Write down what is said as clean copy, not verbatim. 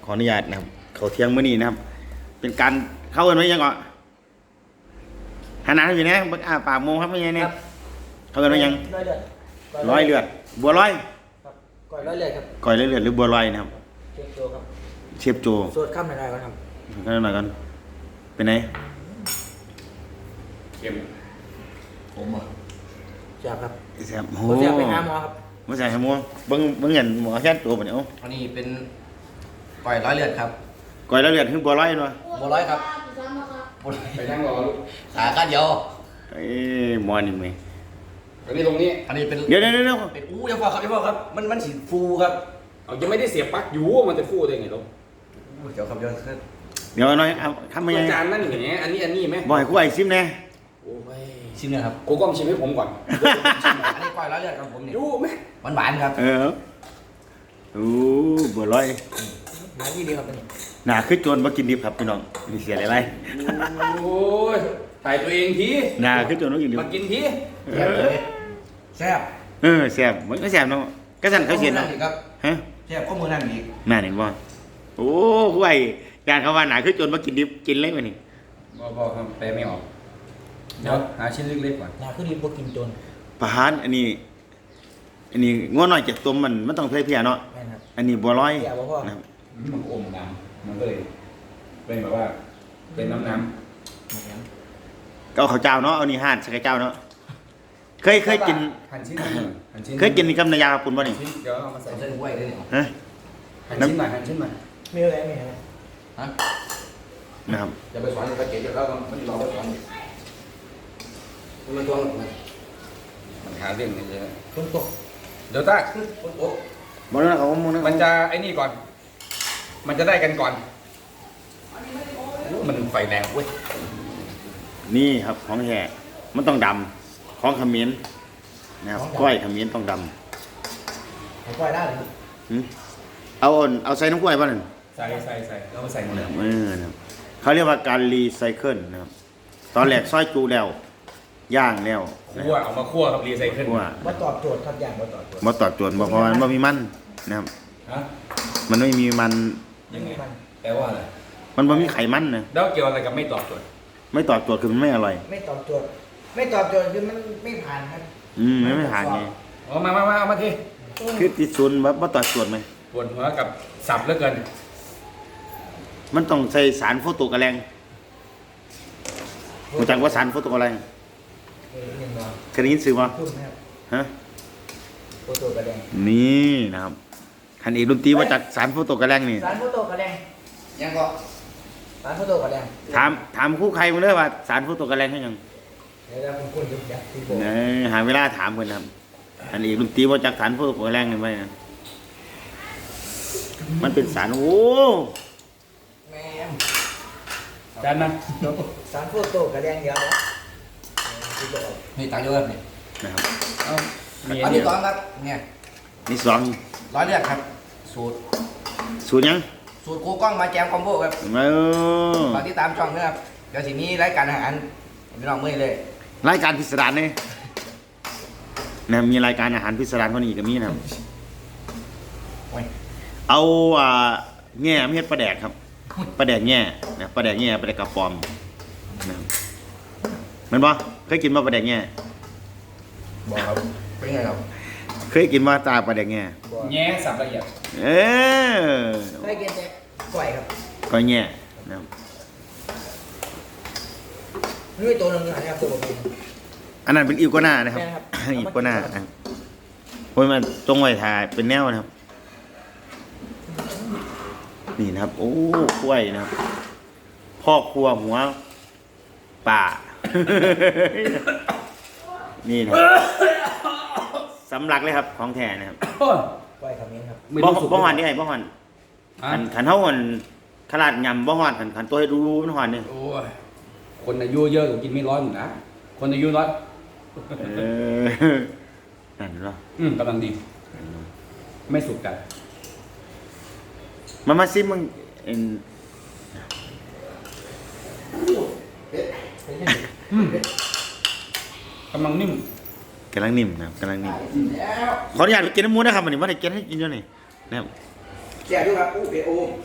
ขออนุญาตนะครับเขาเที่ยงมื้อนี้นะครับ เป็นการเข้ากันไว้ยังก่อนหันหน้าอยู่นะปากโมครับไม่ใช่เนี่ยเข้ากันไว้ยังร้อยเลือดบัวร้อยครับก่อยร้อยเลือดครับก่อยเลือดหรือบัวลอยนะครับเชฟโจครับเชฟโจสวดข้ามหน่อยๆก่อนครับกันหน่อยกันเป็นไงเค็มผมอ่ะแซ่บครับแซ่บโหแซ่บไปหาหมอครับไม่ใช่หมอเบิ่งเห็นหมอแค่ตัวปะเนี่ยอันนี้เป็นก่อยร้อยเลือดครับก่อยเลือดคือบัวลอยเนาะบัวร้อยครับไปนั่งรอลูกสาขาเดียวหมอนี่มั้ยอันนี้ตรงนี้อันนี้เป็นเดี๋ยวเป็นอย่าบอกครับมันสีฟูครับเอายังไม่ได้เสียบปลั๊กอยู่มันจะฟูได้ไงลูกเดี๋ยวครับเดี๋ยวหน่อยเอาทำไมอาจารย์นั่นแหมอันนี้ไหมบ่อยกูไอ้ซิมแน่โอ้ยชิมเนี่ยครับกูกล้องชิมให้ผมก่อนอันนี้ก่อยร้อยเลือดครับผมเนี่ยยู่ไหมหวานครับโอ้บัวลอยหาที่ดีครับนี่หนาขึ้นจนมากินดิบครับพี่น้องมีเสียอะไรโอ้ยถ่ายตัวเองทีหนาขึ้นจนมากินดิบมากินทีแซ่บแซ่บมันก็แซ่บเนาะก็สั่นเขาเสียเนาะฮะแซ่บข้อมือนั่นอีกน่าเห็นบ่โอ้กูไอ้การเขาว่าหนาขึ้นจนมากินดิบกินเลยวันนี้บ่ครับแปลไม่ออกเดี๋ยวหาชิ้นเล็กๆก่อนหาขึ้นดีพวกกินจนประหารอันนี้ง้อหน่อยจากตัวมันต้องเพียเนาะอันนี้บัวลอยนะครับมันอมน้ำมันก็เลยเป็นแบบว่าเป็นน้ำก็ข้าวเจ้าเนาะเอานี่ห่านใส่เจ้าเนาะเคยกินหั่นชิ้นเคยกินกับน้ำยาปุ่นบ่นี่เดี๋ยวเอามาใส่เส้นกล้วยด้วยฮะหั่นชิ้นหน่อยมีอะไรฮะนะครับจะไปสอนไปเก็บแล้วมันรอไปสอนมันตัวมันหาเรื่องนี้เลยคนตกเดี๋ยวต้าคนตกบ่นะเขามันจะไอ้นี่ก่อนมันจะได้กันก่อนมันไฟแรงเว้ยนี่ครับของแท้มันต้องดำของขมิ้นนะครับก้อยขมิ้นต้องดำก้อยได้เลยเอาใส่น้ำกล้วยป่ะนั่นใส่แล้วมาใส่หมดเลยนะครับเขาเรียกว่าการรีไซเคิลนะครับตอนแรกซอยจูแล้วย่างแล้วคั่วเอามาคั่วกับรีไซเคิลมาตอบโจทย์ทุกอย่างมาตอบโจทย์เพราะมันไม่มีมันนะครับมันไม่มีมันยังไงแปลว่าอะไรมันไม่มีไขมันนะแล้วเกี่ยวอะไรกับไม่ตอบโจทย์ไม่ตอบโจทย์คือมันไม่อร่อยไม่ตอบโจทย์คือมันไม่ผ่านครับไม่ผ่านไงเอามาทีคือติดศูนย์ว่าตอบโจทย์ไหมปวดหัวกับสับเหลือเกินมันต้องใส่สารโฟโตกระแรงรู้จักว่าสารโฟโตกระแรงเคยได้ยินสื่อป่ะฮะโฟโตกระแรงนี่นะครับคันเอกดนตรีว่าจากสารโฟโตกระแรงนี่สารโฟโตกระแรงยังก็สารโฟโตกระแรงถามคู่ใครมึงเลยว่าสารโฟโตกระแรงให้ยังเดี๋ยวผมคุยกับยักษ์ที่บอกหาเวลาถามเพื่อนครับคันเอกดนตรีว่าจากสารโฟโตกระแรงนี่ไหมนะมันเป็นสารโอ้แม่จานนะสารโฟโตกระแรงเดียวนี่ตังเยอะนี่นะครับอันนี้2ครับเนี่ยนี่2 ร้อยเลือดครับสูตรยังสูตรครูกล้องมาแจมคอมโบครับฝากติดตามช่องด้วยครับเดี๋ยวสิมีรายการอาหารพี่น้องเมื่อยเลยรายการพิสดารนี่นะมีรายการอาหารพิสดารคนนี้ก็มีนะครับเอาแง่ไม่เฮ็ดปลาแดกครับปลาแดกแง่นะปลาแดกแง่ปลาแดกกระป๋อมนะมันบ่เคยกินมาปลาแดกแง่บอกครับเป็นไงครับเคยกินมาตาปลาแดกแง่แง่สับละเอียดเคยกินแต่ก้อยครับก้อยแง่นะครับนี่ตัวนึงนะครับตัวผมอันนั้นเป็นอิวโกน่านะครับอิวโกน่าโอ้ยมันตรงไว้ถ่ายเป็นแนวนะครับนี่นะครับโอ้กล้วยนะครับพ่อครัวหัวป่านี่นะสำลักเลยครับของแท้นะครับกล้วยคำนี้ครับบ่หอนนี่ไงบ่หอนขันเท่าหอนขนาดยำบ่หอนขันตัวให้รู้มันหอนนี่โอ้ยคนอายุเยอะกว่ากินไม่ร้อยหมดนะคนอายุน้อยนั่นเหรอกำลังดีไม่สุกกันมาซิมึงกำลังนิ่มนะกำลังนิ่มขออนุญาตไปกินน้ำมูนะครับวันนี้ว่าได้กินให้กินเยอะนี่นะครับแก่ด้วยครับอู้เปโอ